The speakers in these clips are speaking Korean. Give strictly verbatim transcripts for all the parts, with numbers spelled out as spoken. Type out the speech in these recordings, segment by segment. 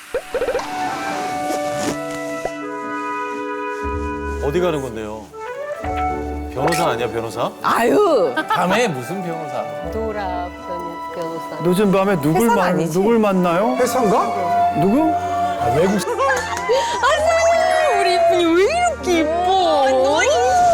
어디 가는 건데요? 변호사 아니야, 변호사? 아유. 밤에 무슨 변호사? 도라 변호사. 늦은 밤에 누굴 회사는 만 아니지? 누굴 만나요? 회사인가? 누구? 아, 외국 우리 이쁜이 왜 이렇게 이뻐?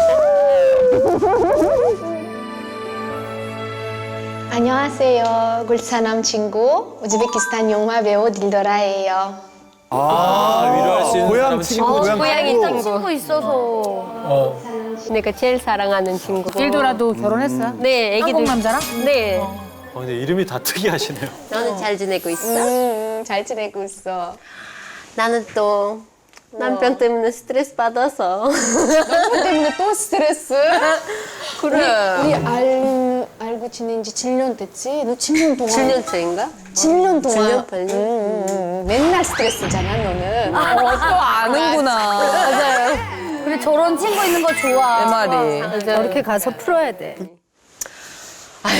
안녕하세요. 굴사남 친구 우즈베키스탄 영화 배우 딜더라예요. 아, 위로할 수 있는 고향 사람은 친구, 친구. 고향 고양이 친구. 친구. 친구 있어서 어. 내가 제일 사랑하는 친구. 일도라도 결혼했어? 네, 애기들. 한국 남자랑? 네. 어, 근데 이름이 다 특이하시네요. 너는 잘 지내고 있어? 음, 잘 지내고 있어. 나는 또 남편 때문에 스트레스 받아서. 그 때문에 또 스트레스? 그래. 우리 알, 알고 지낸 지 칠 년 됐지? 너 칠 년 동안. 칠 년째인가? 칠 년 동안. 칠 년, 팔 년? 음, 음, 맨날 스트레스잖아, 너는. 어, 또 아는구나. 맞아요. 그래 저런 친구 있는 거 좋아. 내 말이. 저렇게 가서 풀어야 돼. 아유,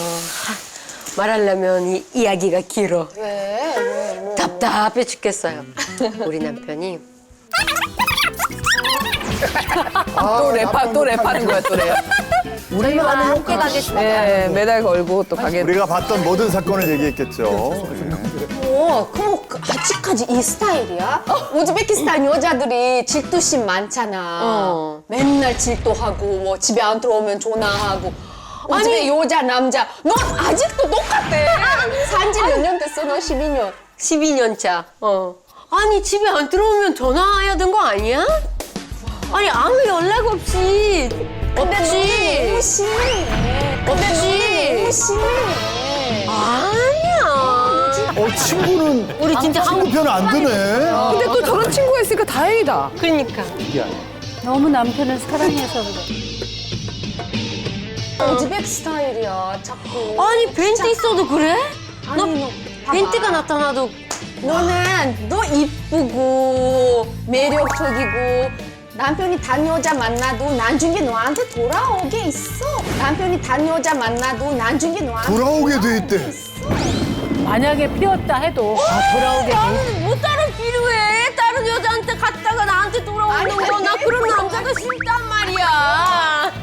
말하려면 이 이야기가 길어. 왜? 왜? 뭐. 답답해 죽겠어요. 우리 남편이 또 랩하, 또 랩하는 거야, 또 랩. 우리가 함께 가겠습니다. 네, 매달 걸고 또 가게. 우리가 봤던 모든 사건을 얘기했겠죠. 어, 그럼 그- 아직까지 이 스타일이야? 우즈베키스탄 여자들이 질투심 많잖아. 어. 맨날 질투하고 뭐 집에 안 들어오면 전화하고. 우즈베 여자 남자 너 아직도 똑같대. 산지 몇 년 됐어? 너 십이 년. 십이 년 차. 어. 아니 집에 안 들어오면 전화해야 되는 거 아니야? 아니 아무 연락 없이. 근데 없지. 너는 너무 심해. 근데 없지. 너는 너무 심해. 아니야. 어, 친구는 우리 진짜 친구 편 안 드네. 근데 또 저런 친구가 있으니까 다행이다. 그러니까. 너무 남편을 사랑해서 그래. 우즈벡 스타일이야 자꾸. 아니 벤트 있어도 그래? 너 아니, 너 봐봐. 벤트가 나타나도 너는 너 이쁘고 매력적이고 남편이 단 여자 만나도 나중에 너한테 돌아오게 있어. 남편이 단 여자 만나도 나중에 너한테 돌아오게 돼 있대. 만약에 피었다 해도 아, 돌아오게 돼. 나는 뭐 다른 필요해? 다른 여자한테 갔다가 나한테 돌아오는 거 나 그런 남자가 싫단 말이야.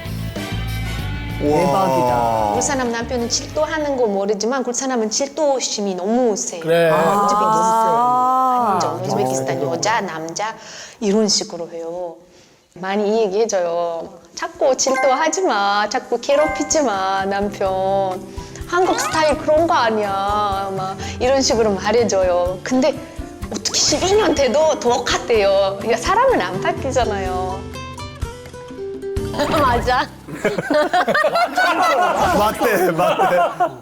대박이다. 굴사람 남편은 질투하는 거 모르지만 굴사람은 질투심이 너무 세. 그래. 우즈베키스탄 완전 우즈베키스탄 여자 남자 이런 식으로 해요. 많이 얘기해줘요. 자꾸 질투하지 마. 자꾸 괴롭히지 마 남편. 한국 스타일 그런 거 아니야. 막 이런 식으로 말해줘요. 근데 어떻게 십이 년 돼도 똑같대요. 이게 사람은 안 바뀌잖아요. 맞아. 맞대, 맞대.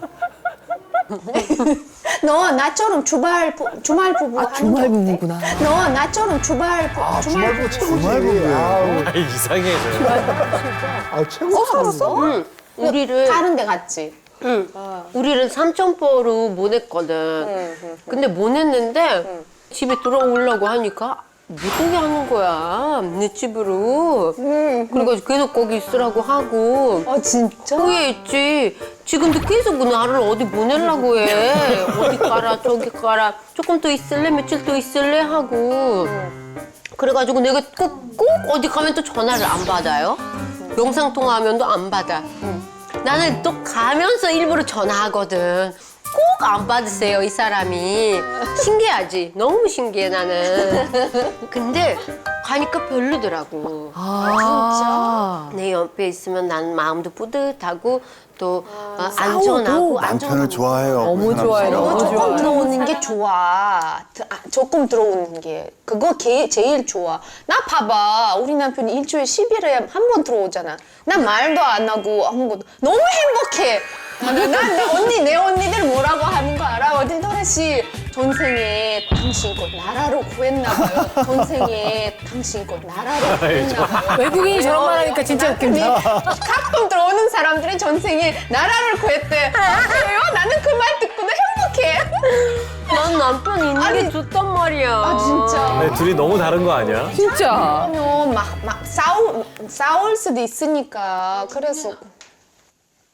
너 나처럼 주말 부, 주말 부부 하는 주말 게 어때? 부부구나. 너 나처럼 주말 부, 아, 주말 주말부 부부 최고지. 주말부부예요. 아우, 아, 이상해. 아, 최고. 살았어? 응. 우리를 다른 데 갔지? 응. 우리를 삼천포로 보냈거든. 근데 보냈는데 집에 들어오려고 하니까 못 오게 하는 거야. 내 집으로. 그래가지고 계속 거기 있으라고 하고. 어 진짜? 후회했지. 지금도 계속 나를 어디 보내려고 해. 어디 가라 저기 가라. 조금 더 있을래? 며칠 더 있을래? 하고. 그래가지고 내가 꼭, 꼭 어디 가면 또 전화를 안 받아요. 영상통화하면도 안 받아. 나는 또 가면서 일부러 전화하거든. 꼭 안 받으세요, 이 사람이. 신기하지? 너무 신기해, 나는. 근데 가니까 별로더라고. 아, 내 옆에 있으면 난 마음도 뿌듯하고 또 어, 안전하고 남편을 안전하고. 좋아해요. 너무 그 사람. 좋아해, 너 너무 조금 좋아해. 들어오는 게 좋아. 드- 아, 조금 들어오는 게 그거 게, 제일 좋아. 나 봐봐. 우리 남편이 일주일에 십 일에 한 번 들어오잖아. 나 말도 안 하고 아무것도 너무 행복해. 난 내 언니 내 언니들 뭐라고 하는 거 알아? 어딜 도라 씨 전생에 당신 곧 나라로 구했나 봐요. 전생에 당신 곧 나라로 구했나 봐요. 외국인이 저런 말 하니까 진짜 웃긴다. 가끔 들어오는 사람들이 전생에 나라를 구했대. 아, 그래요? 나는 그 말 듣고도 행복해. 난 남편 있는 게 아니, 좋단 말이야. 아 진짜. 네, 둘이 너무 다른 거 아니야? 진짜. 그러면 막, 막 싸우, 싸울 수도 있으니까 그래서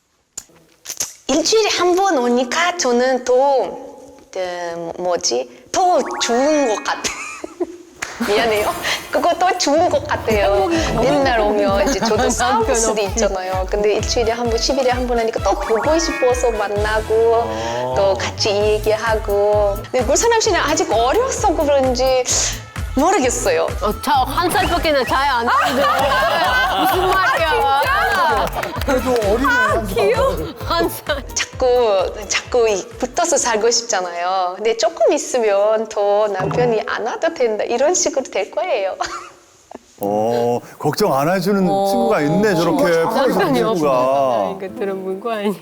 일주일에 한 번 오니까 저는 또 그, 뭐지 더 더 좋은 것 같아. 미안해요. 그거 더 좋은 것 같아요. 맨날 오면 이제 저도 싸울 수도 있잖아요. 근데 일주일에 한 번, 십 일에 한 번 하니까 또 보고 싶어서 만나고 또 같이 얘기하고. 근데 물사람 씨는 아직 어려서 그런지 모르겠어요. 어, 저한 살밖에 나 차이 안 나는데. 무슨 말이야. 그래도 어린애 한 살. 자꾸 자꾸 이- 붙어서 살고 싶잖아요. 근데 조금 있으면 더 남편이 안 와도 된다 이런 식으로 될 거예요. 어, 걱정 안 해주는 친구가 있네, 저렇게. 프로젝트 남편이 친구가. 이거 들어본 거 아니야.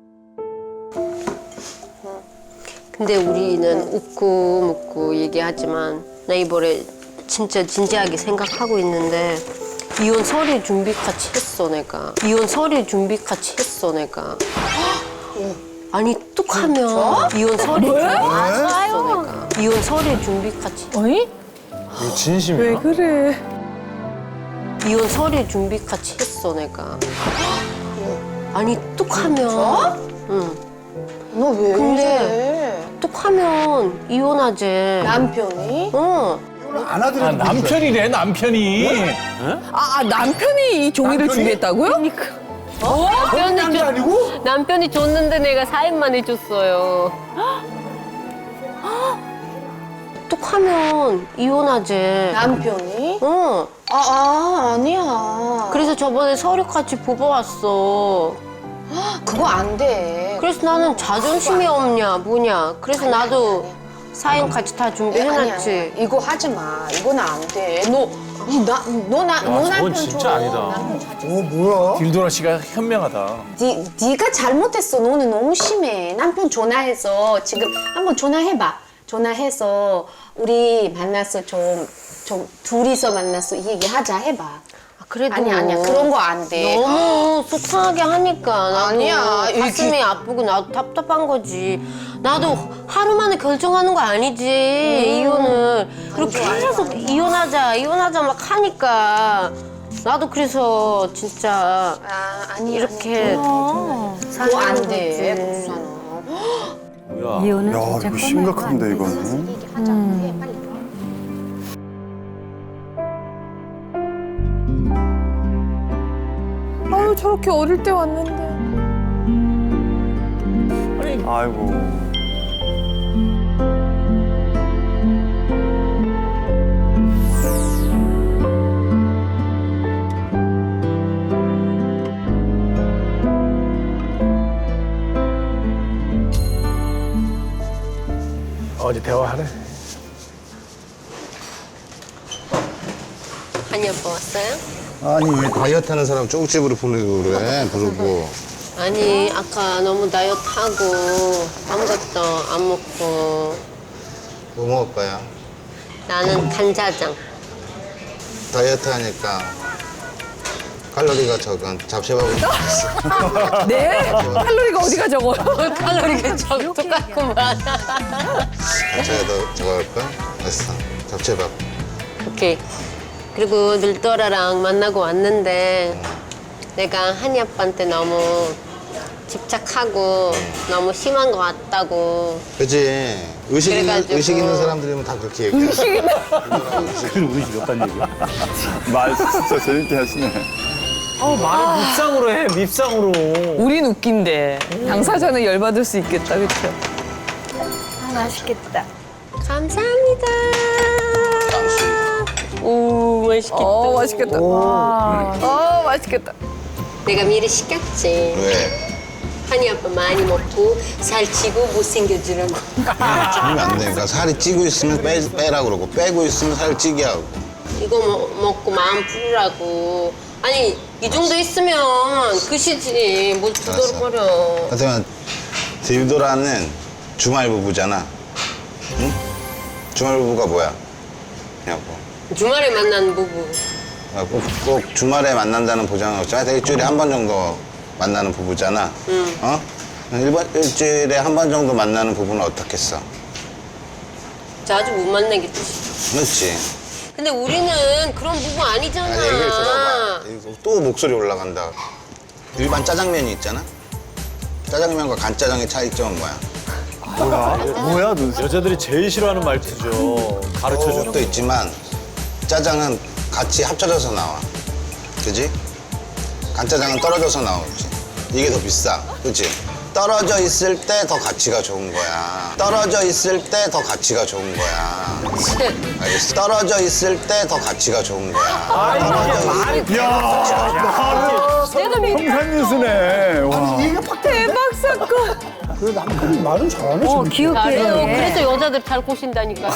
근데 우리는 웃고 묻고 얘기하지만 나 이번에 진짜 진지하게 생각하고 있는데 이혼 서류 준비 같이 했어 내가. 이혼 서류 준비 같이 했어 내가. 아니 뚝하면 이혼 서류 준비 같이 했어 내가. 이혼 서류 준비 같이. 어이? 이거 진심이야? 그래? 이혼 서류 준비 같이 했어 내가. 아니 뚝하면. 응. 너 왜 근데 이래? 뚝하면 이혼하재. 남편이? 어. 안 하더라도 아, 남편이래, 남편이. 아, 아, 남편이 이 종이를 준비했다고요? 남편이, 딴게 줬- 아니고? 남편이 줬는데 내가 사인만 해줬어요. 뚝하면 이혼하재. 남편이? 어. 아, 아 아니야. 그래서 저번에 서류 같이 뽑아왔어. 그거 안 돼. 그래서 나는 자존심이 없냐 뭐냐. 그래서 나도 사인 같이 다 아니, 준비해놨지. 아니, 이거 하지 마. 이거는 안 돼. 너, 나, 너, 나, 너 저건 남편 진짜 줘. 아니다. 어 뭐야? 딜도라 씨가 현명하다. 니, 네가 잘못했어. 너는 너무 심해. 남편 전화해서 지금 한번 전화해봐. 전화해서 우리 만나서 좀, 좀 둘이서 만나서 이 얘기하자 해봐. 아, 그래도 아니 아니야 그런 거 안 돼. 너무 속상하게 하니까 나도 아니야, 이게- 가슴이 아프고 나도 답답한 거지. 나도 하루 만에 결정하는 거 아니지 이혼을. 그리고 계속 이혼하자 이혼하자 막 하니까 나도 그래서 진짜 아 아니야. 이렇게 그거 안 돼. 거지. 복수는. 뭐야? 이혼은 야, 진짜 이거 심각한데, 이거는. 얘기하자. 해 빨리. 아유, 저렇게 어릴 때 왔는데. 아이고. 어제 대화하네. 한이 아빠 왔어요? 아니 왜 다이어트 하는 사람 쪽집으로 보내고 그래 부르고. 아니 아까 너무 다이어트 하고 아무것도 안 먹고 뭐 먹을 거야? 나는 간짜장. 다이어트 하니까 칼로리가 적은 잡채밥을 먹겠어. 네? 칼로리가 어디가 적어요? 칼로리가 좀 똑같구만. 잡채가 더 적을 거야? 됐어. 잡채밥. 오케이. 그리고 늘떠라랑 만나고 왔는데 내가 한이 아빠한테 너무 집착하고 너무 심한 것 같다고. 그치. 의식 있는, 그래가지고. 의식 있는 사람들이면 다 그렇게 얘기해. 의식 있는 말 진짜 재밌게 하시네. 어, 말을 밉상으로 해, 밉상으로. 우린 웃긴데. 당사자는 열받을 수 있겠다, 그쵸? 감사합니다. 오 맛있겠다. 어, 맛있겠다. 어, 맛있겠다. 내가 미리 시켰지. 왜? 한이 아빠 많이 먹고 살찌고 못생겨지라고. 그러면 안 되니까 살이 찌고 있으면 빼, 빼라고 그러고 빼고 있으면 살 찌게 하고. 이거 먹, 먹고 마음 풀으라고. 아니 이 정도 있으면 끝이지. 뭘 두들거려. 하여튼 딜도라는 주말 부부잖아. 응? 주말 부부가 뭐야? 그냥 뭐. 주말에 만난 부부. 아, 꼭, 꼭 주말에 만난다는 보장은 없지. 하여튼 일주일에 한 번 정도 만나는 부부잖아. 응. 어? 일번, 일주일에 한 번 정도 만나는 부부는 어떻겠어? 자주 못 만나겠지. 그렇지. 근데 우리는 그런 부부 아니잖아. 아니, 얘기를 들어봐. 또 목소리 올라간다. 일반 짜장면이 있잖아? 짜장면과 간짜장의 차이점은 뭐야? 뭐야? 뭐야, 너? 여자들이 제일 싫어하는 말투죠. 가르쳐주는 것도 있지만 짜장은 같이 합쳐져서 나와. 그지? 간짜장은 떨어져서 나오지. 이게 더 비싸. 그치? 떨어져 있을 때 더 가치가 좋은 거야. 떨어져 있을 때 더 가치가 좋은 거야. 알겠어? 떨어져 있을 때 더 가치가 좋은 거야. 떨어져 있을 야, 평산뉴스네. 와. 대박 사건. 그 남편이 말은 잘하네, 어, 지금. 귀엽게 그래요. 해. 그래서 여자들 잘 꼬신다니까.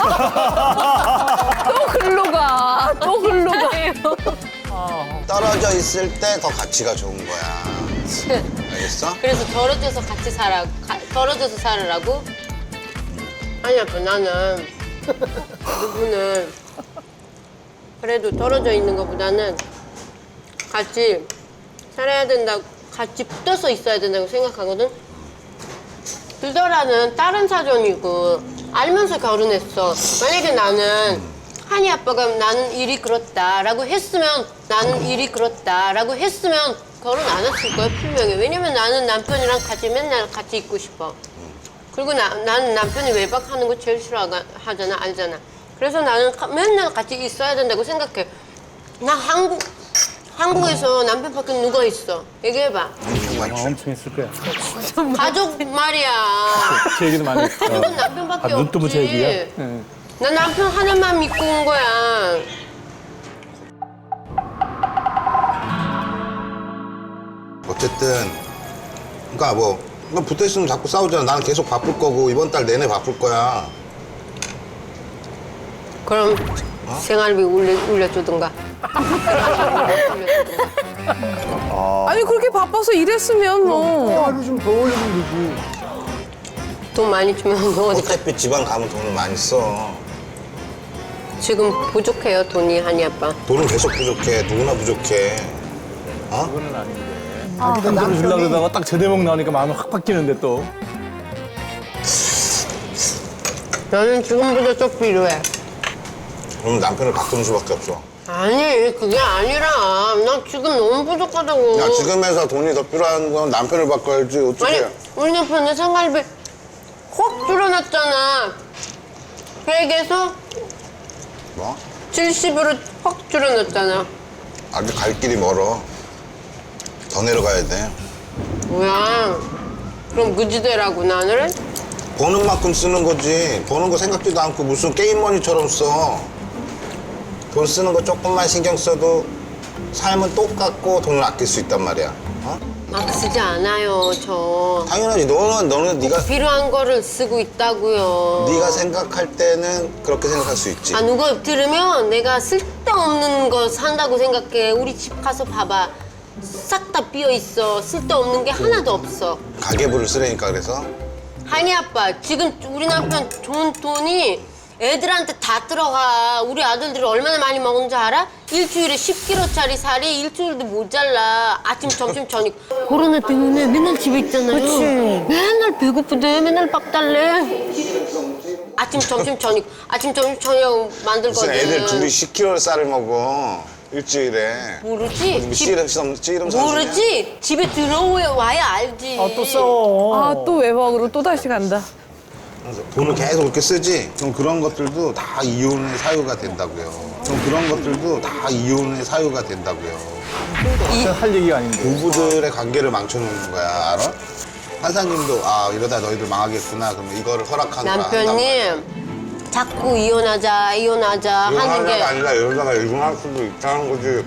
또 글로 가. 또 글로 가. 떨어져 있을 때 더 가치가 좋은 거야. 알겠어? 그래서 떨어져서 같이 살아, 가, 떨어져서 살으라고? 아니, 아빠, 나는 누구는 그래도 떨어져 있는 것보다는 같이 살아야 된다, 같이 붙어서 있어야 된다고 생각하거든? 들더라는 다른 사정이고 알면서 결혼했어. 만약에 나는 한이 아빠가 나는 일이 그렇다라고 했으면 나는 일이 그렇다라고 했으면 결혼 안 했을 거야, 분명히. 왜냐면 나는 남편이랑 같이 맨날 같이 있고 싶어. 그리고 나, 나는 남편이 외박하는 거 제일 싫어하잖아, 알잖아. 그래서 나는 가, 맨날 같이 있어야 된다고 생각해. 나 한국, 한국에서 남편 밖에 누가 있어? 얘기해봐. 엄청 했을 거야. 가족 말이야. 그 얘기도 많이 했어. 가족은 남편밖에 아, 눈뜨부 없지. 얘기야? 응. 나 남편 하나만 믿고 온 거야. 어쨌든 그러니까 뭐 그냥 붙어있으면 자꾸 싸우잖아. 나는 계속 바쁠 거고 이번 달 내내 바쁠 거야. 그럼 생활비 올려, 올려주든가. 아니 그렇게 바빠서 일했으면 뭐. 하루 좀 더 올리면 되지. 돈 많이 주면 너 어디 가? 어차피 지방 가면 돈을 많이 써. 지금 부족해요, 돈이, 한이 아빠. 돈은 계속 부족해. 누구나 부족해. 어? 그거는 아닌데. 자기도 돈을 주려고 남편이 그러다가 딱 제 대목 나오니까 마음이 확 바뀌는데 또. 나는 지금보다 좀 필요해. 그러면 남편을 바꾸는 수밖에 없어. 아니, 그게 아니라 난 지금 너무 부족하다고. 야, 지금에서 돈이 더 필요한 건 남편을 바꿔야지. 어떻게? 아니, 우리 남편은 생활비 확 줄여놨잖아. 백에서 뭐? 칠십으로 확 줄여놨잖아. 아직 갈 길이 멀어. 더 내려가야 돼. 뭐야? 그럼 무지대라고 나를? 버는 만큼 쓰는 거지. 버는 거 생각지도 않고 무슨 게임머니처럼 써. 돈 쓰는 거 조금만 신경 써도 삶은 똑같고 돈을 아낄 수 있단 말이야. 어? 막 쓰지 않아요, 저. 당연하지. 너는 너는 네가 필요한 거를 쓰고 있다고요. 네가 생각할 때는 그렇게 생각할 수 있지. 아, 누가 들으면 내가 쓸데없는 거 산다고 생각해. 우리 집 가서 봐봐. 싹 다 비어 있어. 쓸데없는 게 하나도 없어. 가계부를 쓰라니까 그래서. 한이 아빠, 지금 우리 남편 돈, 돈이 애들한테 다 들어가. 우리 아들들이 얼마나 많이 먹은 줄 알아? 일주일에 십 킬로그램짜리 살이 일주일도 모자라. 아침, 점심, 저녁. 코로나 때문에 맨날 집에 있잖아요. 그치. 맨날 배고픈데 맨날 밥 달래. 아침, 점심, 저녁. 아침, 점심, 저녁 만들거든. 무슨 애들 둘이 십 킬로그램 쌀을 먹어. 일주일에. 모르지? 뭐 집- 씨름 씨름 씨름 선수냐? 모르지? 집에 들어와야 알지. 아, 또 싸워. 아 또 외박으로 또 다시 간다. 그래서 돈을 계속 그렇게 쓰지? 그럼 그런 것들도 다 이혼의 사유가 된다고요. 그럼 그런 것들도 다 이혼의 사유가 된다고요. 할 얘기가 아닌데. 부부들의 관계를 망쳐놓는 거야, 알아? 판사님도 아 이러다 너희들 망하겠구나. 그러면 이거를 허락하느라 남편님 자꾸 이혼하자 이혼하자 하는 이혼하자가 게 아니라 이러다가 이혼할 수도 있다는 거지.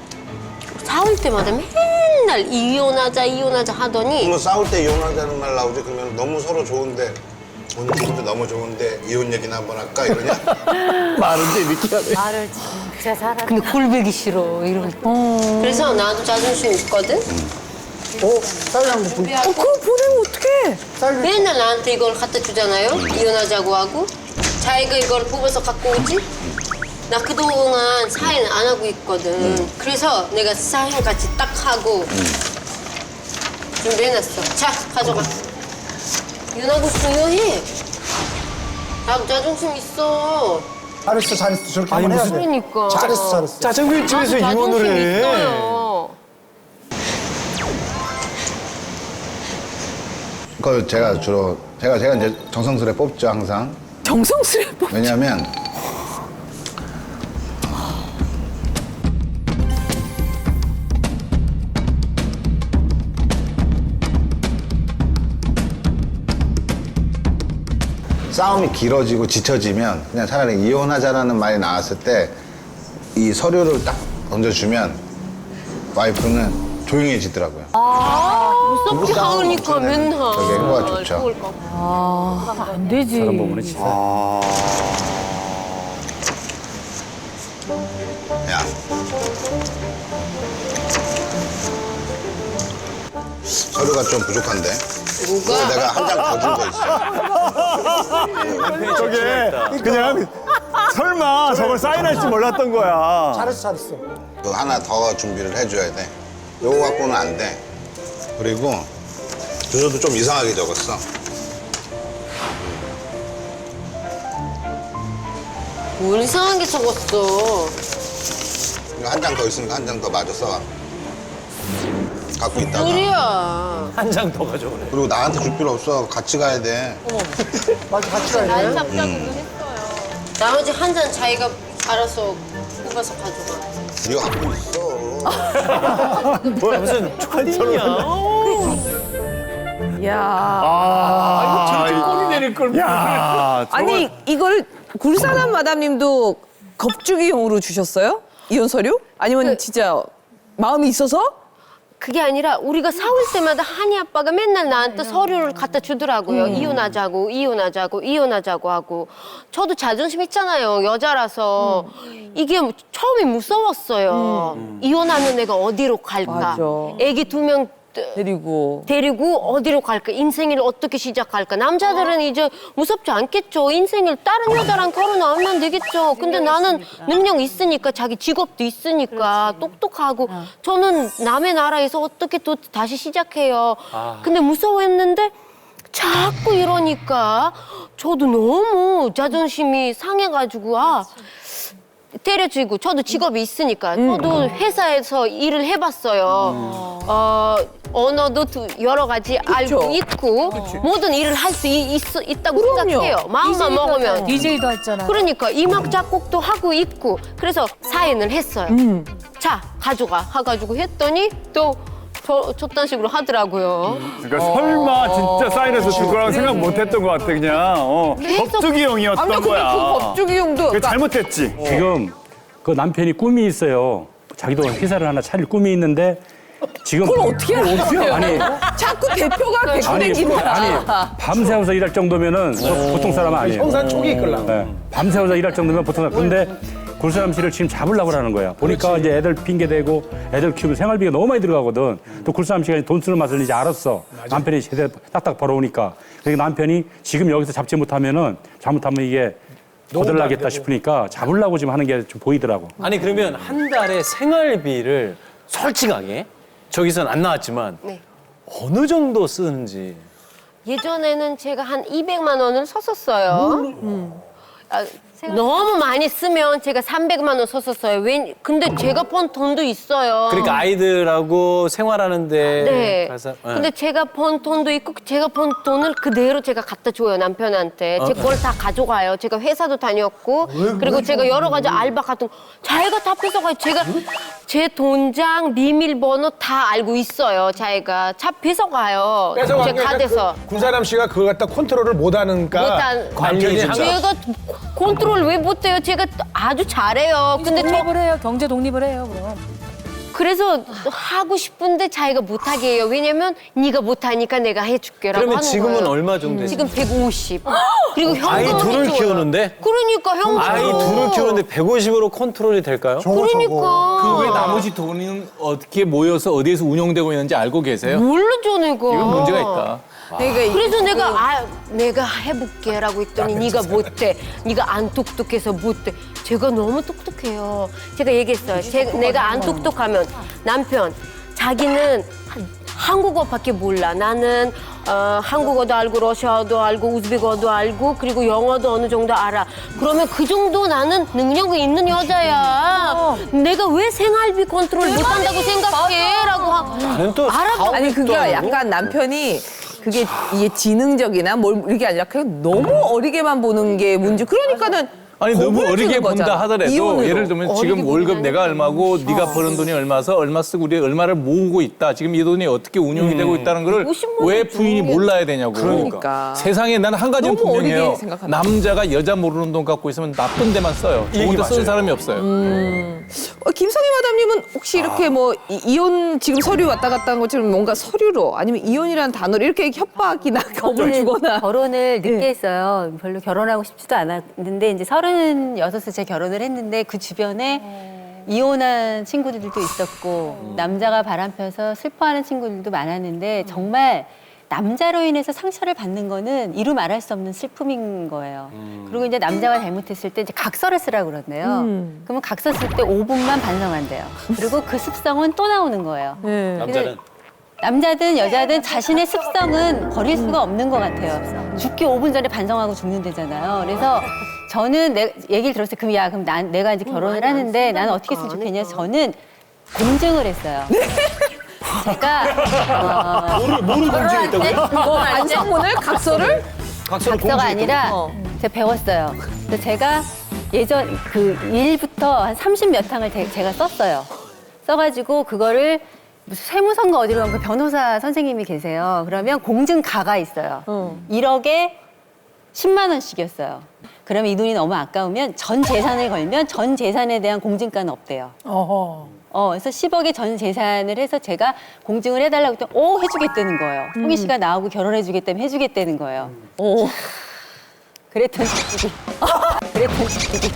싸울 때마다 맨날 이혼하자 이혼하자 하더니 그러면 싸울 때 이혼하자는 말 나오지. 그러면 너무 서로 좋은데 오늘 기분도 너무 좋은데 이혼 얘기나 한번 할까 이러냐? 말은 재밌게 하네. 말을 진짜 잘하네. 근데 골배기 싫어 이런 그래서 나도 자존심 있거든 어? 쌀 한번 보 어 그걸 보내면 어떡해? 맨날 나한테 이걸 갖다 주잖아요 이혼하자고 하고 자기가 이걸 뽑아서 갖고 오지 나 그동안 사인 안 하고 있거든 그래서 내가 사인 같이 딱 하고 준비해놨어 자 가져가 이혼하고 싶으면 이혼해 나도 자존심 있어 잘했어, 잘했어. 저렇게 아니, 한번 해야 무슨- 돼. 그러니까 잘했어, 잘했어. 짜장면집에서 나도 이혼을 자존심 해. 있어요. 그걸 제가 주로 제가 제가 이제 정성스레 뽑죠 항상. 정성스레 뽑. 왜냐하면 싸움이 길어지고 지쳐지면 그냥 차라리 이혼하자라는 말이 나왔을 때 이 서류를 딱 던져주면 와이프는 조용해지더라고요. 무섭게 하니까 맨날. 저게 행보가 좋죠. 좋을까 봐. 안 되지. 그런 부분은 진짜. 야. 서류가 좀 부족한데. 그거 내가 한 장 더 준 거 있어. 저게 그냥 설마 저걸 사인할 줄 몰랐던 거야. 잘했어, 잘했어. 그 하나 더 준비를 해줘야 돼. 요거 갖고는 안 돼. 그리고 주소도 좀 이상하게 적었어. 뭘 이상한 게 적었어. 한 장 더 있으니까 한 장 더 마저 써와. 갖고 있다가. 소리야. 한 장 더 가져오네. 그리고 나한테 줄 필요 없어. 같이 가야 돼. 맞아, 같이 가야 날 돼. 잡자고도 했어요. 나머지 한 잔 자기가 알아서 뽑아서 가져가. 네가 갖고 있어. 뭐야 무슨 초딩이야. 야. 아, 이거 꼴이 내릴 걸. 야, 아니 이걸 굴사람 마담님도 겁주기용으로 주셨어요? 이혼 서류? 아니면 그- 진짜 마음이 있어서? 그게 아니라 우리가 싸울 때마다 한이 아빠가 맨날 나한테 서류를 갖다 주더라고요. 이혼하자고, 이혼하자고, 이혼하자고 하고. 저도 자존심 있잖아요. 여자라서. 이게 처음에 무서웠어요. 이혼하면 내가 어디로 갈까? 맞아. 애기 두 명 데리고. 데리고 어디로 갈까? 인생을 어떻게 시작할까? 남자들은 이제 무섭지 않겠죠. 인생을 다른 여자랑 결혼하면 되겠죠. 근데 나는 능력 있으니까 자기 직업도 있으니까 똑똑하고 저는 남의 나라에서 어떻게 또 다시 시작해요. 근데 무서워했는데 자꾸 이러니까 저도 너무 자존심이 상해가지고 아 때려주고 저도 직업이 있으니까 저도 회사에서 일을 해봤어요. 어, 언어도 두- 여러 가지 알고 있고 모든 일을 할 수 있다고 그럼요. 생각해요. 마음만 먹으면. 디제이도 했잖아. 그러니까 이막 작곡도 하고 있고 그래서 사인을 했어요. 자 가져가 해가지고 했더니 또 저, 저딴 식으로 하더라고요. 그러니까 설마 진짜 사인해서 줄 거라고 생각 못 했던 것 같아, 그냥. 어, 계속- 법주기용이었던 아니 근데 거야. 그 겁주기용도 그게 잘못했지. 지금 그 남편이 꿈이 있어요. 자기도 회사를 하나 차릴 꿈이 있는데 지금 그걸 어떻게 그걸 하려고요? 아니 자꾸 대표가 아니, 백분행기다. 아니 밤새워서 일할 정도면은 보통 사람은 아니에요. 형사 촉이 이끌라고. 네. 밤새워서 일할 정도면 보통 사람. 근데 굴사람 씨를 지금 잡으려고 하는 거야. 보니까 이제 애들 핑계 대고 애들 키우면 생활비가 너무 많이 들어가거든. 또 굴사람 씨가 돈 쓰는 맛을 이제 알았어. 남편이 제대로 딱딱 벌어오니까. 그러니까 남편이 지금 여기서 잡지 못하면은 잘못하면 이게 거들나겠다 싶으니까 잡으려고 지금 하는 게 좀 보이더라고. 아니 그러면 한 달에 생활비를 솔직하게 저기선 안 나왔지만 네. 어느 정도 쓰는지. 예전에는 제가 한 이백만 원을 썼었어요. 음. 아, 너무 많이 쓰면 제가 삼백만 원 썼었어요. 왜? 근데 제가 번 돈도 있어요. 그러니까 아이들하고 생활하는데 네. 가서. 예. 근데 제가 번 돈도 있고 제가 번 돈을 그대로 제가 갖다 줘요 남편한테. 제 걸 다 가져가요. 제가 회사도 다녔고 그리고 제가 여러 가지 알바 같은 거 자기가 다 뺏어가요. 제가 제 돈장 비밀번호 다 알고 있어요. 자기가 차 뺏어가요. 제 카드에서. 군사람 씨가 그걸 갖다 컨트롤을 못하니까 못한 관련이 항상 제가 컨트롤 왜 못해요? 제가 아주 잘해요. 근데 저 독립을 해요. 경제 독립을 해요. 그럼. 그래서 하고 싶은데 자기가 못하게 해요. 왜냐면 네가 못하니까 내가 해줄게라고 그러면 하는 지금은 거예요. 얼마 정도 되세요? 지금 백오십. 그리고 현금은 아이 둘을 해줘요. 키우는데? 그러니까 현금. 아이 둘을 키우는데 백오십으로 컨트롤이 될까요? 그러니까. 그 외 나머지 돈은 어떻게 모여서 어디에서 운영되고 있는지 알고 계세요? 모르죠 내가. 이건 문제가 있다. 내가 그래서 내가 아 내가 해볼게라고 했더니 네가 못해. 네가 안 똑똑해서 못해. 제가 너무 똑똑해요. 제가 얘기했어요. 제, 내가 안 똑똑하면 남편 자기는 한- 한국어밖에 몰라. 나는 어, 한국어도 알고 러시아어도 알고 우즈베거도 알고 그리고 영어도 어느 정도 알아. 그러면 그 정도 나는 능력이 있는 여자야. 내가 왜 생활비 컨트롤 못한다고 생각해? 라고 하, 나는 또 알아. 아니 그러니까 약간 남편이 그게 이게 지능적이나 뭘 이게 아니라 그냥 너무 어리게만 보는 게 문제. 그러니까는 아니 너무 겁을 어리게 주는 본다 거잖아. 하더라도 이혼으로. 예를 들면 지금 월급 내가 얼마고 네가 버는 돈이 얼마서 얼마 쓰고 우리 얼마를 모으고 있다. 지금 이 돈이 어떻게 운용이 되고 있다는 거를 왜 부인이 몰라야 되냐고. 그러니까. 세상에 난 한 가지는 너무 분명해요. 어리게 생각한다. 남자가 여자 모르는 돈 갖고 있으면 나쁜 데만 써요. 좋은 데 쓰는 사람이 없어요. 어, 김성희 마담님은 혹시 이렇게 뭐 이- 이혼 지금 서류 왔다 갔다 한 것처럼 뭔가 서류로 아니면 이혼이라는 단어로 이렇게 협박이나 겁을 주거나 결혼을 늦게 네. 했어요. 별로 결혼하고 싶지도 않았는데 이제 서른여섯에 제가 결혼을 했는데 그 주변에 이혼한 친구들도 있었고 남자가 바람펴서 슬퍼하는 친구들도 많았는데 정말 남자로 인해서 상처를 받는 거는 이루 말할 수 없는 슬픔인 거예요. 그리고 이제 남자가 잘못했을 때 이제 각서를 쓰라고 그러네요. 그러면 각서 쓸 때 오 분만 반성한대요. 그리고 그 습성은 또 나오는 거예요. 남자는 남자든 여자든 자신의 습성은 버릴 수가 없는 것 같아요. 죽기 오 분 전에 반성하고 죽는다잖아요. 그래서 저는 내, 얘기를 들었어요. 그럼 야, 그럼 난, 내가 이제 결혼을 하는데 나는 어떻게 했으면 좋겠냐. 저는 공증을 했어요. 제가 어, 뭐를 뭐를 공증했다고요? 뭐 반성문을 각서를 각서를 각서가 아니라 어. 제가 배웠어요. 그래서 제가 예전 그 일부터 한 삼십 몇 항을 제- 제가 썼어요. 써가지고 그거를 무슨 세무선거 어디로 가면 그 변호사 선생님이 계세요. 그러면 공증가가 있어요. 일억에 십만 원씩이었어요. 그러면 이 돈이 너무 아까우면 전 재산을 걸면 전 재산에 대한 공증가는 없대요. 어, 그래서 십억의 전 재산을 해서 제가 공증을 해달라고 했더니 오 해주겠다는 거예요. 홍희 씨가 나하고 결혼해주겠다면 해주겠다는 거예요. 오. 그랬던 시기. 그랬던 시기.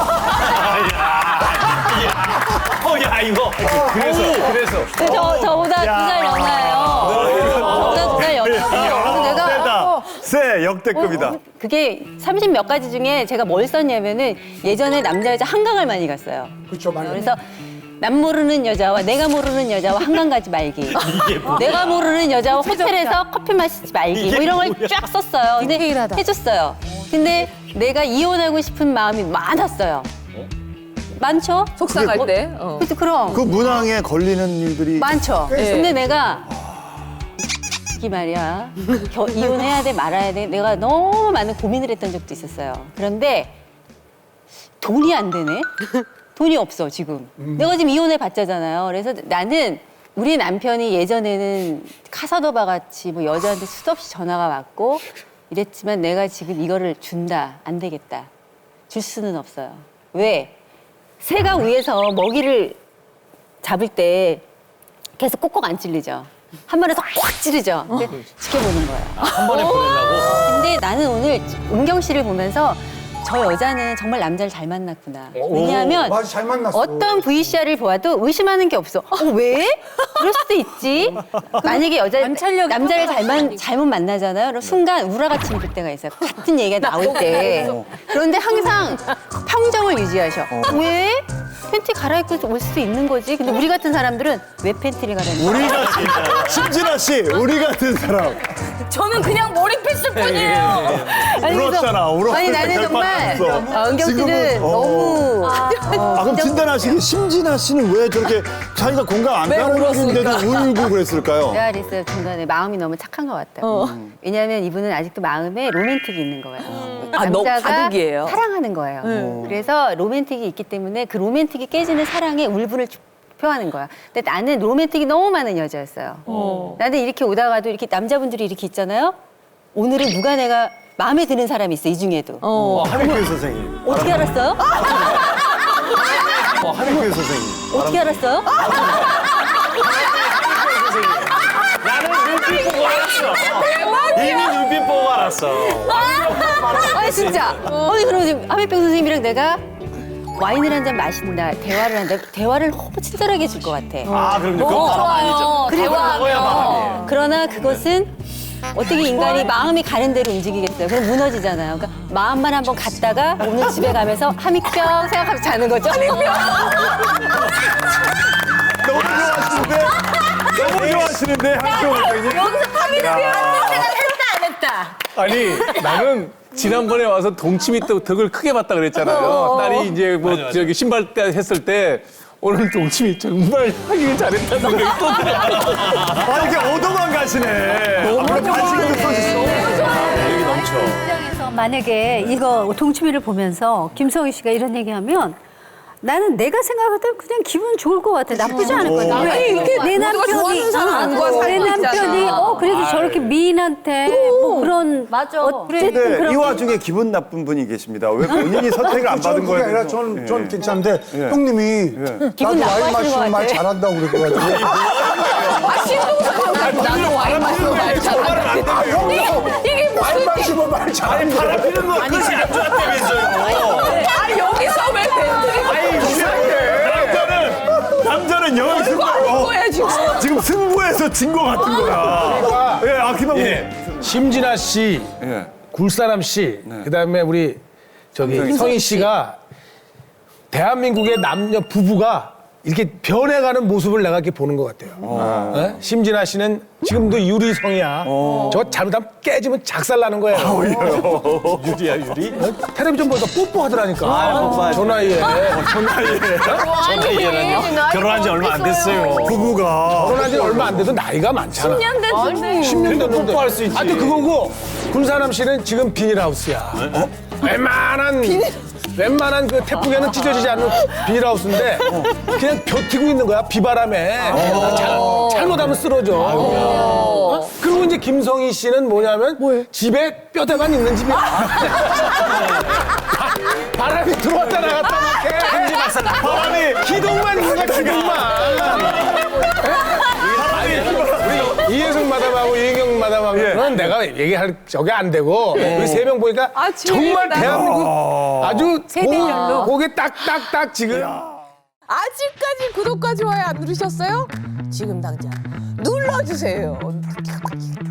어야 이거 그래서 그래서 저, 저보다 두 살 연하예요. 저보다 두 살 연하고. 그래서 내가 세다. 세 역대급이다. 그게 삼십 몇 가지 중에 제가 뭘 썼냐면은 예전에 남자 여자 한강을 많이 갔어요. 그렇죠, 많이. 그래서 남 모르는 여자와 내가 모르는 여자와 한강 가지 말기. 내가 모르는 여자와 호텔에서 커피 마시지 말기. 뭐 이런 걸 쫙 썼어요. 근데 디테일하다. 해줬어요. 근데 내가 이혼하고 싶은 마음이 많았어요. 많죠? 속상할 때. 어. 그래서 그럼. 그 문항에 걸리는 일들이 많죠. 네. 근데 내가 이 말이야. 겨, 이혼해야 돼 말아야 돼. 내가 너무 많은 고민을 했던 적도 있었어요. 그런데 돈이 안 되네. 돈이 없어 지금. 내가 지금 이혼해 봤자잖아요. 그래서 나는 우리 남편이 예전에는 카사노바 같이 뭐 여자한테 수도 없이 전화가 왔고 이랬지만 내가 지금 이거를 준다 안 되겠다. 줄 수는 없어요. 왜? 새가 위에서 먹이를 잡을 때 계속 꼭꼭 안 찔리죠. 한 번에 확 찌르죠. 근데 지켜보는 거예요. 한 번에 보내려고. 근데 나는 오늘 은경 씨를 보면서 저 여자는 정말 남자를 잘 만났구나. 왜냐하면 맞아, 잘 만났어. 어떤 브이씨알을 보아도 의심하는 게 없어. 어, 왜? 그럴 수도 있지. 만약에 여자 남자를 잘만 잘못 만나잖아요. 그럼 순간 우라같이 입을 때가 있어요. 같은 얘기가 나올 때. 그런데 항상 평정을 유지하셔. 왜? 팬티 갈아입고 올 수도 있는 거지. 근데 우리 같은 사람들은 왜 팬티를 갈아입는 거야? 우리 같은 심진아 씨, 우리 같은 사람 저는 그냥 몰입했을 뿐이에요. 아니, 그래서- 울었잖아. 울었을 아니 때 나는 정말 결판났어. 어, 은경 씨는 지금은, 어. 너무 아 그럼 진단하시기 심진아 씨는 왜 저렇게 자기가 공감 안 가는 중인데도 울고 그랬을까요? 내가 그랬어요. 중간에 마음이 너무 착한 것 같다고. 음. 왜냐하면 이분은 아직도 마음에 로맨틱이 있는 거예요. 아, 너무 남자가 가득이에요? 사랑하는 거예요. 그래서 로맨틱이 있기 때문에 그 로맨틱이 깨지는 사랑에 울분을 주- 표하는 거야. 근데 나는 로맨틱이 너무 많은 여자였어요. 나는 이렇게 오다가도 이렇게 남자분들이 이렇게 있잖아요. 오늘은 누가 내가 마음에 드는 사람이 있어, 이 중에도. 어. 하리케 선생님. 어떻게 알았어요? 어, 하리케 선생님. 어떻게 알았어요? 나는 눈빛 보고 알았어. 이미 눈빛 보고 알았어. 아니 진짜. 아니 그럼 지금 하백병 선생님이랑 내가 와인을 한 잔 마신다, 대화를 한다. 대화를 너무 친절하게 해줄 것 같아. 아 그럼요. 그건 어, 바람 아니죠. 그리고 먹어야 마음이에요. 그러나 그것은 어떻게 인간이 마음이 가는 대로 움직이겠어요. 그럼 무너지잖아요. 그러니까 마음만 한번 갔다가 오늘 집에 가면서 함익병 생각하면서 자는 거죠. 너무 좋아하시는데. 너무 좋아하시는데 한쪽 선생님. 여기서 파비를 표현할 생각 했다 안 했다. 아니 나는 지난번에 와서 동치미 떡- 덕을 크게 봤다 그랬잖아요. 딸이 이제 뭐 저기 신발 때 했을 때 오늘 동치미 정말 하길 잘했다는 생각이 또 들어요. 아, 이렇게 얻어만 가시네. 너무 관심도 써주시고. 여기 넘쳐. 입장에서 만약에 이거 동치미를 보면서 김성희 씨가 이런 얘기하면 나는 내가 생각할 때 그냥 기분 좋을 것 같아. 나쁘지 않을 것 같아. 아니, 왜? 이렇게 내 누가 남편이 좋아하는 사람과 어, 살고 내 남편이 있잖아. 어 그래도 저렇게 미인한테 뭐 그런 맞아. 어쨌든 근데 그런 이 와중에 기분 나쁜 분이 계십니다. 왜 본인이 선택을 안 받은 그게 거예요? 아니라 전, 전 괜찮은데 형님이 기분 나도 와인 나빠하시는 마시는 것 말 같아. 잘한다고 그래가지고 아, 신동서 나도 와인 마시고 말 잘한다. 아, 형님 이게 와인 무슨 마시고 말 잘한다. 바라피는 거 그것이 안 좋았다면서요. 아, 여기서 왜 밴드를 남자는 남자는 여기 승부. 하는 거야, 지금. 지금 승부에서 진 것 같은 거야. 예, 아 김학국. 예. 심진아 씨, 예. 굴사람 씨, 그다음에 우리 저기 성희 씨가 대한민국의 남녀 부부가 이렇게 변해가는 모습을 내가 이렇게 보는 것 같아요. 어? 심진아 씨는 지금도 유리성이야. 저거 잘못하면 깨지면 작살나는 거예요. 유리야 유리? 어? 텔레비전 보니까 뽀뽀하더라니까. 아, 뽀뽀하지. 저 나이에. 저 나이에는요? 결혼한 지 얼마 안 됐어요. 부부가 결혼한 지 얼마 안 돼도 나이가 많잖아. 십 년 됐는데. 십 년 됐는데. 뽀뽀할 수 있지. 하여튼 그거고 군사남 씨는 지금 비닐하우스야. 어? 웬만한 웬만한 그 태풍에는 찢어지지 않는 비닐하우스인데 그냥 버티고 있는 거야 비바람에. 잘, 잘못하면 쓰러져. 어? 그리고 이제 김성희 씨는 뭐냐면 집에 뼈대만 있는 집이야. 바- 바람이 들어왔다 나갔다 막 해. 바람이 기둥만 있는 거야 기둥만. 우리 이혜숙 마담하고 이혜경 마담하고는 내가 얘기할 저게 안 되고 우리 세 명 보니까 아, 정말 재밌다. 대한민국 아주 세대별로. 고, 고개 딱딱딱 지금 아직까지 구독과 좋아요 안 누르셨어요? 지금 당장 눌러주세요.